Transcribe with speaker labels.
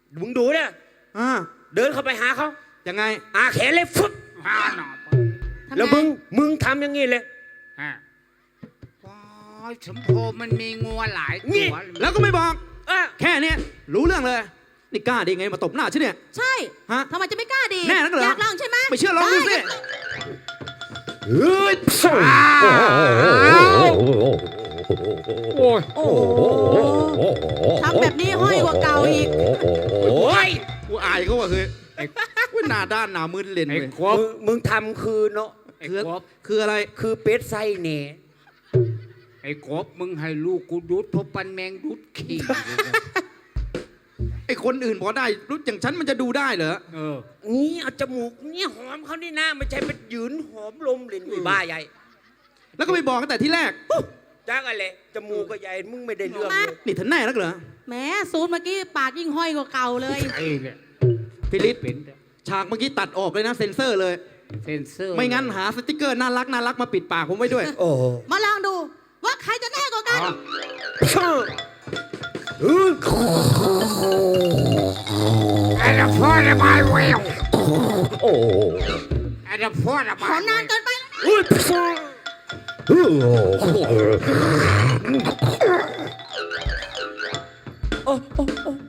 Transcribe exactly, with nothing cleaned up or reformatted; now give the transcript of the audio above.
Speaker 1: มึงดูเนี่ย
Speaker 2: อ่า
Speaker 1: เดินเข้าไปหาเขา
Speaker 2: ยังไง
Speaker 1: อาแขนเลยฟึบแล้วมึงมึงทำอย่างงี้เลย
Speaker 3: ฮะว้ายสมโพมันมีงัวหลายตัว
Speaker 2: แล้วก็ไม่บอก
Speaker 1: อ่ะ
Speaker 2: แค่เนี้ยรู้เรื่องเลยนี่กล้าดีไงมาตบหน้าฉันเนี่ย
Speaker 4: ใช่
Speaker 2: ฮะ
Speaker 4: ทำไมจะไม่กล้าดี
Speaker 2: แน่นักเหรอ
Speaker 4: อยากลองใช่ไหม
Speaker 2: ไม่เชื่อลองดูสิ
Speaker 1: เฮ้ย
Speaker 3: โอ้ย
Speaker 4: โอ้ทำแบบนี้ห้อยกว่าเก่าอีก
Speaker 1: โอ้ย
Speaker 2: กูอายเขาว่ะคือไอ้ว่าหน้าด้านหน้ามืดเล่น
Speaker 3: ไอ้
Speaker 2: เลย
Speaker 3: กบ
Speaker 1: มึงมึงทำคือเนาะ
Speaker 3: ไอ้
Speaker 2: คือก
Speaker 3: บ
Speaker 2: คืออะไร
Speaker 1: คือเป็ดไส้เน่
Speaker 3: ไอ้กบมึงให้ลูกกูดูดเพราะปันแมงดูดขี้
Speaker 2: ไอ้คนอื่นพอได้รู้อย่างฉันมันจะดูได้เหรอ
Speaker 3: เออ
Speaker 1: นี่เอาจมูกนี่หอมเขานี่นะไม่ใช่เป็นยืนหอมลมลิ้นไอ้บ้าใหญ่
Speaker 2: แล้วก็ไปบอกกันแต่ที่แรก
Speaker 1: จ้างอะไรจมูกก็ใหญ่มึงไม่ได้เรื่องเลย
Speaker 2: นี่ท่านแน่นักเหรอ
Speaker 4: แหมซูนเมื่อกี้ปากยิ่งห้อยกว่าเก่าเลย
Speaker 3: ไอ้เนี่ย
Speaker 2: พิลิศ
Speaker 3: เป็น
Speaker 2: ฉากเมื่อกี้ตัดออกเลยนะเซ็นเซอร์เลย
Speaker 3: เซนเซอร์
Speaker 2: ไม่งั้นหาสติกเกอร์น่ารักน่ารักมาปิดปากผมไว้ด้วย
Speaker 1: โอ้
Speaker 4: มาลองดูว่าใครจะแน่กว่ากัน
Speaker 3: ไอ้เด็กพ่อระบายเวล
Speaker 1: โอ้
Speaker 3: ไอ้เด็กพ่อระบา
Speaker 4: ขอย นานเกินไปแล้วนะ
Speaker 1: อุ้ยโอ้โอ้โอ้